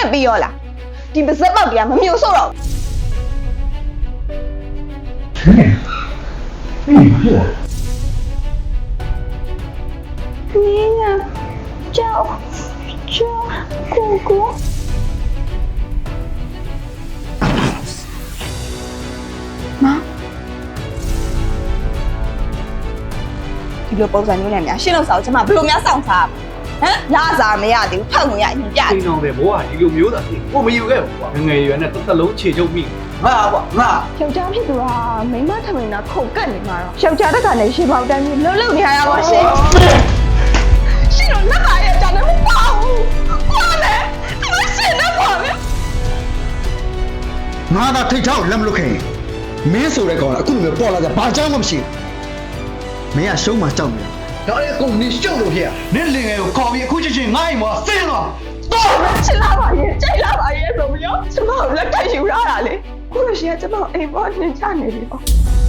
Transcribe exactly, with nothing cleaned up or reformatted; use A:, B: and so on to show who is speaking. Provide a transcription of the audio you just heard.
A: င့်ပြီးရောလားဒီပါဇက်ပေါက်တရားမမျိုးဆို့တော့
B: 哎，哎，是。
A: 你呀叫叫姑姑妈ဒီလိုပုံစံမျိုးနဲ့များရှင်းလို့စားအောင်ကျမဘယ်လိုများစောင့်စားဟမ်လာစားမရသေးဘူးဖောက်ငွေရအရင်ပြ
C: အိမ်တော်ပဲဘောကဒီလိုမျိုးသာဖြစ်ကိုမယူခဲ့ဘူးကွာငငယ်ရွယ်နဲ့တစ်သက်လုံးခြေချုပ်မိငါကွာငါ
A: ယောက်ျားဖြစ်သူကမိန်းမထမင်းတာခုတ်ကတ်နေမှာတော့ယောက်ျားတက်ကလည်းရှင်းပေါက်တန်းပြီးလှုပ်လှုပ်နေရတာပါရှင်ရှင်းတော့လက်ပါရဲ့ကြောင့်လည်းမပေါ့ဘူးဘာလဲဒီမရှင်းတော့ပါပဲ
B: ငါသာထိတ်ချောက်လက်မလွတ်ခင်မင်းဆိုတဲ့ကောင်ကအခုလိုမျိုးပေါ်လာကြဘာကြောင့်မှမရှိဘူးမင်းကရှုံးမှကြောက်နေတယ်ဒါလည်းကုန်နေရှုံးလို့ဖြစ်ရနင်းလင်ငယ်ကိုခေါ်ပြီးအခုချင်းချင်းငါ့အိမ်မှာဆင်းတော့တော့
A: ချစ်လာပါရဲ့ကြိုက်လာပါရဲ့ဆိုပြီးတော့ကျမကိုလက်ထပ်ယူရတာလေခုလိုရှင်ကကျမကိုအိမ်ပေါ်နှင်ချနေပြီပေါ့